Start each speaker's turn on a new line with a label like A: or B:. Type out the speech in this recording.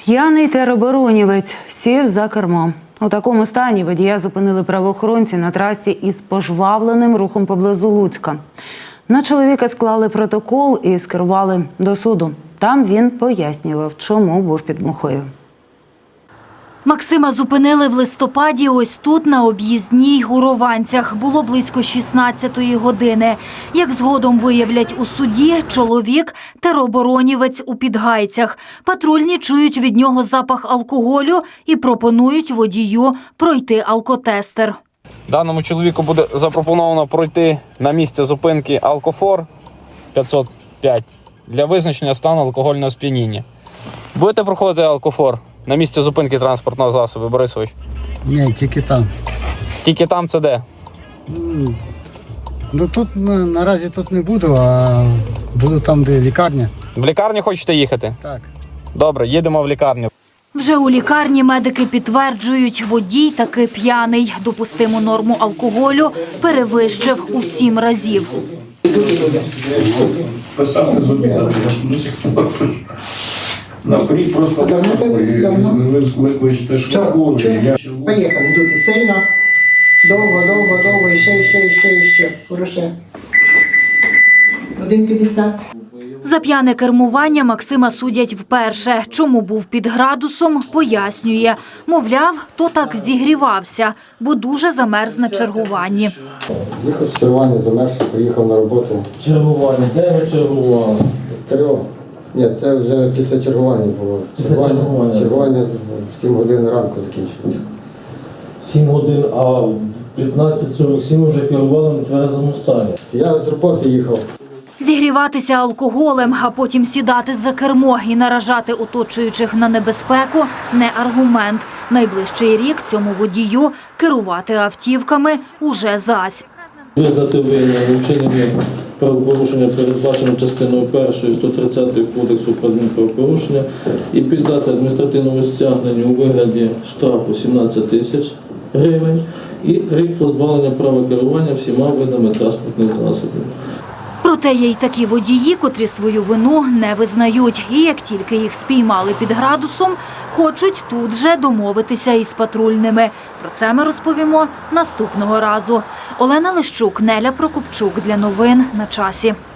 A: П'яний тероборонівець сів за кермо. У такому стані водія зупинили правоохоронці на трасі із пожвавленим рухом поблизу Луцька. На чоловіка склали протокол і скерували до суду. Там він пояснював, чому був під мухою.
B: Максима зупинили в листопаді ось тут, на об'їзній у Рованцях. Було близько 16-ї години. Як згодом виявлять у суді, чоловік – тероборонівець у Підгайцях. Патрульні чують від нього запах алкоголю і пропонують водію пройти алкотестер.
C: Даному чоловіку буде запропоновано пройти на місце зупинки алкофор 505 для визначення стану алкогольного сп'яніння. Будете проходити алкофор на місці зупинки транспортного засобу, Борисович?
D: Ні, тільки там.
C: Тільки там це де?
D: Ну тут наразі тут не буду, а буду там, де лікарня.
C: В лікарню хочете їхати?
D: Так.
C: Добре, їдемо в лікарню.
B: Вже у лікарні медики підтверджують, водій таки п'яний. Допустиму норму алкоголю перевищив у 7 разів.
E: Писати зупинили, я до сих пор. Наперед просто викличте швидку.
F: Поїхали, дути сильно. Довго, і ще. Хороше. 1,50.
B: За п'яне кермування Максима судять вперше. Чому був під градусом, пояснює. Мовляв, то так зігрівався, бо дуже замерз на чергуванні.
G: Їхав з чергування, замерзши, приїхав на роботу.
H: Чергування, де ви чергували?
G: ТРО. Ні, це вже після чергування було. Чергування в 7 годин ранку закінчується.
H: 7 годин, а в 15:47 вже керували на тверезому стані.
G: Я з роботи їхав.
B: Зігріватися алкоголем, а потім сідати за кермо і наражати оточуючих на небезпеку – не аргумент. Найближчий рік цьому водію керувати автівками уже зась.
H: Визнати винним вчинення правопорушення, передбачено частиною 1 130 Кодексу про адмінправопорушення, і піддати адміністративному стягненню у вигляді штрафу 17 тисяч гривень і рік позбавлення права керування всіма видами транспортних засобів.
B: Проте є й такі водії, котрі свою вину не визнають. І як тільки їх спіймали під градусом, хочуть тут же домовитися із патрульними. Про це ми розповімо наступного разу. Олена Лищук, Неля Прокопчук. Для новин на часі.